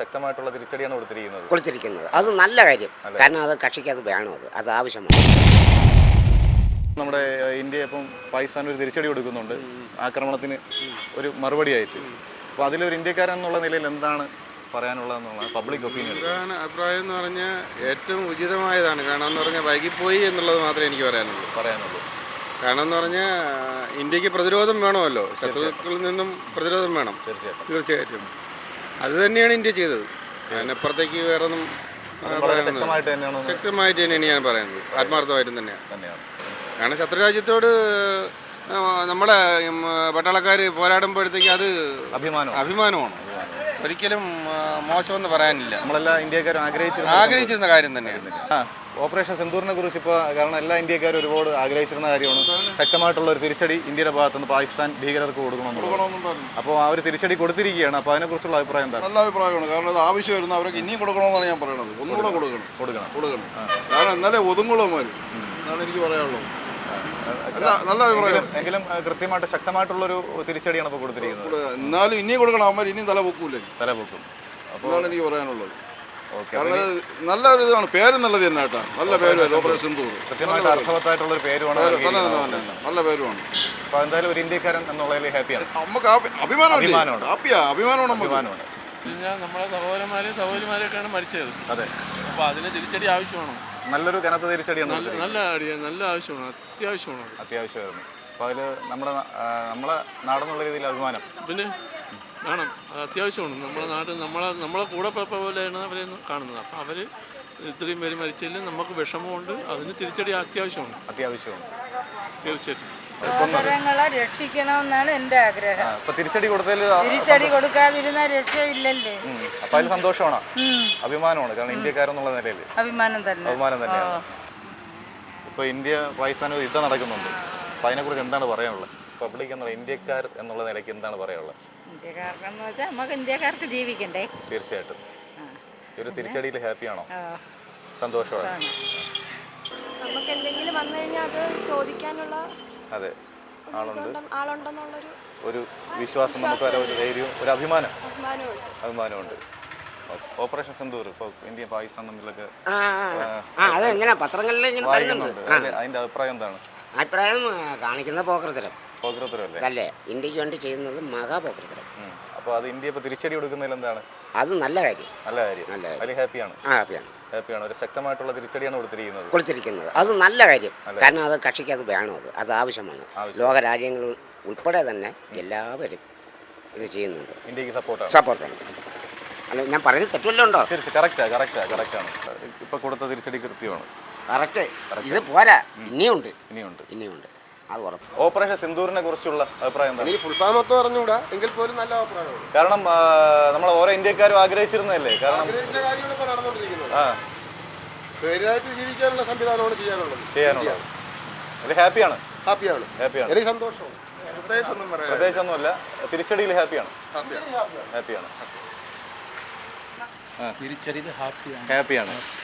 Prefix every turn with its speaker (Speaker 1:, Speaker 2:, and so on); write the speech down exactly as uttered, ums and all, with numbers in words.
Speaker 1: ശക്തമായിട്ടുള്ള തിരിച്ചടിയാണ് കൊടുത്തിരിക്കുന്നത്
Speaker 2: കൊടുത്തിരിക്കുന്നത് അത് നല്ല കാര്യം. കാരണം അത് കക്ഷിക്ക് അത് വേണം, അത് അത് ആവശ്യമാണ്.
Speaker 1: നമ്മുടെ ഇന്ത്യ ഇപ്പം പാകിസ്ഥാൻ ഒരു തിരിച്ചടി കൊടുക്കുന്നുണ്ട് ആക്രമണത്തിന് ഒരു മറുപടിയായിട്ട്. അപ്പോൾ അതിലൊരു ഇന്ത്യക്കാരൻ എന്നുള്ള നിലയിൽ എന്താണ് പറയാനുള്ളതെന്നുള്ള പബ്ലിക് ഒപ്പീനിയൻ?
Speaker 3: എന്താണ് അഭിപ്രായം എന്ന് പറഞ്ഞാൽ ഏറ്റവും ഉചിതമായതാണ്. കാരണം എന്ന് പറഞ്ഞാൽ വൈകിപ്പോയി എന്നുള്ളത് മാത്രമേ എനിക്ക് പറയാനുള്ളൂ പറയാനുള്ളൂ കാരണം എന്ന് പറഞ്ഞാൽ ഇന്ത്യക്ക് പ്രതിരോധം വേണമല്ലോ, ശത്രുക്കളിൽ നിന്നും പ്രതിരോധം വേണം. തീർച്ചയായിട്ടും തീർച്ചയായിട്ടും അത് തന്നെയാണ് ഇന്ത്യ ചെയ്തത്. അതിനപ്പുറത്തേക്ക് വേറെ ഒന്നും
Speaker 1: ശക്തമായിട്ട് തന്നെയാണ്
Speaker 3: ശക്തമായിട്ട് തന്നെയാണ് ഞാൻ പറയുന്നത്, ആത്മാർത്ഥമായിട്ടും തന്നെയാണ് തന്നെയാണ് കാരണം ശത്രുരാജ്യത്തോട് നമ്മുടെ പട്ടാളക്കാർ പോരാടുമ്പോഴത്തേക്ക് അത് അഭിമാനം അഭിമാനമാണ് ഒരിക്കലും മോശമെന്ന് പറയാനില്ല.
Speaker 1: നമ്മളെല്ലാ ഇന്ത്യക്കാരും ആഗ്രഹിച്ചിരുന്ന
Speaker 3: ആഗ്രഹിച്ചിരുന്ന കാര്യം തന്നെയാണ്
Speaker 1: ഓപ്പറേഷൻ സിന്ദൂറിനെ കുറിച്ച്. ഇപ്പോൾ കാരണം എല്ലാ ഇന്ത്യക്കാരും ഒരുപാട് ആഗ്രഹിച്ചിരുന്ന കാര്യമാണ് ശക്തമായിട്ടുള്ള ഒരു തിരിച്ചടി ഇന്ത്യയുടെ ഭാഗത്തുനിന്ന് പാകിസ്ഥാൻ ഭീകരർക്ക് കൊടുക്കണമെന്ന്. അപ്പോൾ ആ ഒരു തിരിച്ചടി കൊടുത്തിരിക്കുകയാണ്. അപ്പോൾ അതിനെക്കുറിച്ചുള്ള അഭിപ്രായം എന്താണ്?
Speaker 4: നല്ല അഭിപ്രായമാണ്. കാരണം അത് ആവശ്യമായിരുന്നു, അവർക്ക് ഇനിയും കൊടുക്കണമെന്നാണ് ഞാൻ പറയുന്നത്. ഒന്നുകൂടെ കൊടുക്കണം കൊടുക്കണം കൊടുക്കണം കാരണം എന്നാലേ ഒതുങ്ങുള്ളമാർ എന്നാണ് എനിക്ക് പറയാനുള്ളത്. നല്ല അഭിപ്രായം.
Speaker 1: എങ്കിലും കൃത്യമായിട്ട് ശക്തമായിട്ടുള്ളൊരു തിരിച്ചടിയാണ് ഇപ്പോൾ കൊടുത്തിരിക്കുന്നത്.
Speaker 4: എന്നാലും ഇനിയും കൊടുക്കണം, അവന്മാർ ഇനിയും തല പൊക്കൂല്ലേ
Speaker 1: തല പൊക്കും.
Speaker 4: അതാണ് എനിക്ക് പറയാനുള്ളത്. കാരണം നല്ല ഒരു ഇതാണ്, പേര് നല്ലത് തന്നെ കേട്ടാ, നല്ല പേരുമായിരുന്നു ഓപ്പറേഷൻ സിന്ദൂർ.
Speaker 1: കൃത്യമായിട്ട് അർത്ഥവത്തായിട്ടുള്ള ഒരു പേരുമാണ്,
Speaker 4: നല്ല പേരുമാണ്.
Speaker 1: അപ്പോൾ എന്തായാലും ഒരു ഇന്ത്യക്കാരൻ എന്നുള്ളതിൽ ഹാപ്പിയാണ്.
Speaker 4: നമുക്ക് അഭിമാനമാണ് ഹാപ്പിയാ അഭിമാനമാണ്
Speaker 1: അഭിമാനമാണ്
Speaker 3: നമ്മളെ സഹോദരന്മാരെയും സഹോദരിമാരെയൊക്കെയാണ് മരിച്ചത്.
Speaker 1: അതെ,
Speaker 3: അപ്പോൾ അതിന് തിരിച്ചടി ആവശ്യമാണ്.
Speaker 1: നല്ലൊരു കനത്ത തിരിച്ചടിയാണ്.
Speaker 3: നല്ല അടിയാണ്, നല്ല ആവശ്യമാണ്, അത്യാവശ്യമാണ്
Speaker 1: അത്യാവശ്യമായിരുന്നു. അപ്പോൾ അതിൽ നമ്മുടെ നമ്മളെ നാടെന്നുള്ള രീതിയിൽ അഭിമാനം
Speaker 3: പിന്നെ വേണം, അത് അത്യാവശ്യമാണ്. നമ്മുടെ നാട് നമ്മളെ നമ്മളെ കൂടെ പിറപ്പ പോലെയാണ് അവരെ കാണുന്നത്. അപ്പം അവർ ഇത്രയും പേര് മരിച്ചതിൽ നമുക്ക് വിഷമമുണ്ട്, അതിന് തിരിച്ചടി അത്യാവശ്യമാണ്
Speaker 1: അത്യാവശ്യമാണ്
Speaker 3: തീർച്ചയായിട്ടും.
Speaker 5: സഹോദരങ്ങളെ രക്ഷിക്കണമെന്നാണ് എൻ്റെ ആഗ്രഹം.
Speaker 1: തിരിച്ചടി കൊടുത്തതിൽ
Speaker 5: തിരിച്ചടി കൊടുക്കാതിരുന്ന രക്ഷയില്ലല്ലേ.
Speaker 1: അപ്പൊ അതിൽ സന്തോഷമാണ്, അഭിമാനമാണ്. കാരണം ഇന്ത്യക്കാരെന്നുള്ള നിലയിൽ
Speaker 5: അഭിമാനം തന്നെ
Speaker 1: അഭിമാനം തന്നെയാണ്. ഇപ്പൊ ഇന്ത്യ പാകിസ്ഥാൻ യുദ്ധം നടക്കുന്നുണ്ട്. അപ്പൊ അതിനെക്കുറിച്ച് എന്താണ് പറയാനുള്ളത്? പബ്ലിക് എന്നുള്ള ഇന്ത്യക്കാർ എന്നുള്ള നിലയ്ക്ക് എന്താണ് പറയാനുള്ളത്?
Speaker 5: ഇന്ത്യക്കാർക്കെന്ന് വെച്ചാൽ നമുക്ക് ഇന്ത്യക്കാർക്ക് ജീവിക്കണ്ടേ.
Speaker 1: തീർച്ചയായിട്ടും ഒരു തിരിച്ചടിയിൽ ഹാപ്പിയാണോ? സന്തോഷമാണ്.
Speaker 6: നമുക്ക് എന്തെങ്കിലും വന്നു കഴിഞ്ഞാൽ അത് ചോദിക്കാനുള്ള
Speaker 1: അതെ ആളുണ്ട്,
Speaker 6: ആളുണ്ടെന്നുള്ളൊരു
Speaker 1: ഒരു വിശ്വാസം, നമുക്ക് ഒരു ധൈര്യവും ഒരു അഭിമാനം
Speaker 6: അഭിമാനമുണ്ട്.
Speaker 1: ഓപ്പറേഷൻ സിന്ദൂർ ഇപ്പോൾ ഇന്ത്യ പാകിസ്ഥാൻ തമ്മിലൊക്കെ
Speaker 2: അതെങ്ങനെ പത്രങ്ങളിൽ
Speaker 1: അതിന്റെ അഭിപ്രായം എന്താണ്?
Speaker 2: അഭിപ്രായം കാണിക്കുന്ന പോക്കൃതരം
Speaker 1: പോക്കൃതരല്ലേ
Speaker 2: അല്ലേ, ഇന്ത്യക്ക് വേണ്ടി ചെയ്യുന്നത് മഹാപോക്കൃതരം.
Speaker 1: അപ്പോൾ അത് ഇന്ത്യ ഇപ്പോൾ തിരിച്ചടി കൊടുക്കുന്നതിൽ എന്താണ്?
Speaker 2: അത് നല്ല കാര്യം
Speaker 1: നല്ല കാര്യം
Speaker 2: നല്ല
Speaker 1: അതിൽ ഹാപ്പിയാണ്
Speaker 2: ഹാപ്പിയാണ്
Speaker 1: ഹാപ്പിയാണ് ഒരു ശക്തമായിട്ടുള്ള തിരിച്ചടിയാണ് കൊടുത്തിരിക്കുന്നത്
Speaker 2: കൊടുത്തിരിക്കുന്നത് അത് നല്ല കാര്യം. കാരണം അത് കക്ഷിക്ക് അത് വേണം, അത് അത് ആവശ്യമാണ്. ലോകരാജ്യങ്ങൾ ഉൾപ്പെടെ തന്നെ എല്ലാവരും ഇത് ചെയ്യുന്നുണ്ട്.
Speaker 1: ഇന്ത്യക്ക് സപ്പോർട്ടാണ്
Speaker 2: സപ്പോർട്ടാണ് അല്ല, ഞാൻ പറയുന്നത് തെറ്റുവല്ലോ ഉണ്ടോ?
Speaker 1: കറക്റ്റാ കറക്റ്റാ കറക്റ്റാണ് ഇപ്പൊ കൊടുത്ത തിരിച്ചടി കൃത്യമാണ്.
Speaker 2: കറക്റ്റ്. ഇത് പോരാ, ഇനിയുണ്ട്
Speaker 1: ഇനിയുണ്ട്
Speaker 2: ഇനിയുണ്ട് അത് ഉറപ്പ്.
Speaker 1: ഓപ്പറേഷൻ സിന്ദൂറിനെ കുറിച്ചുള്ള അഭിപ്രായം എന്താണ്?
Speaker 4: ഈ ഫുൾ ഫാം മൊത്തം അറിഞ്ഞുകൂടാ എങ്കിൽ പോലും നല്ല അഭിപ്രായമാണ്.
Speaker 1: കാരണം നമ്മൾ ഓരോ ഇന്ത്യക്കാരും ആഗ്രഹിച്ചിരുന്നതല്ലേ. കാരണം ആ
Speaker 4: ശരിയായിട്ട് ജീവിക്കാനുള്ള സംവിധാനമാണ് ചെയ്യാനുള്ളത്
Speaker 1: ചെയ്യാനുള്ളത് അതിൽ ഹാപ്പിയാണ്
Speaker 4: ഹാപ്പിയാണ്
Speaker 1: ഹാപ്പിയാണ്
Speaker 4: എനിക്ക് സന്തോഷമാണ്. പ്രത്യേകിച്ചൊന്നും പറയാം
Speaker 1: പ്രത്യേകിച്ചൊന്നുമല്ല, തിരിച്ചടിയിൽ ഹാപ്പിയാണ് ഹാപ്പിയാണ്
Speaker 3: തിരിച്ചടിയിൽ ഹാപ്പിയാണ്
Speaker 1: ഹാപ്പിയാണ്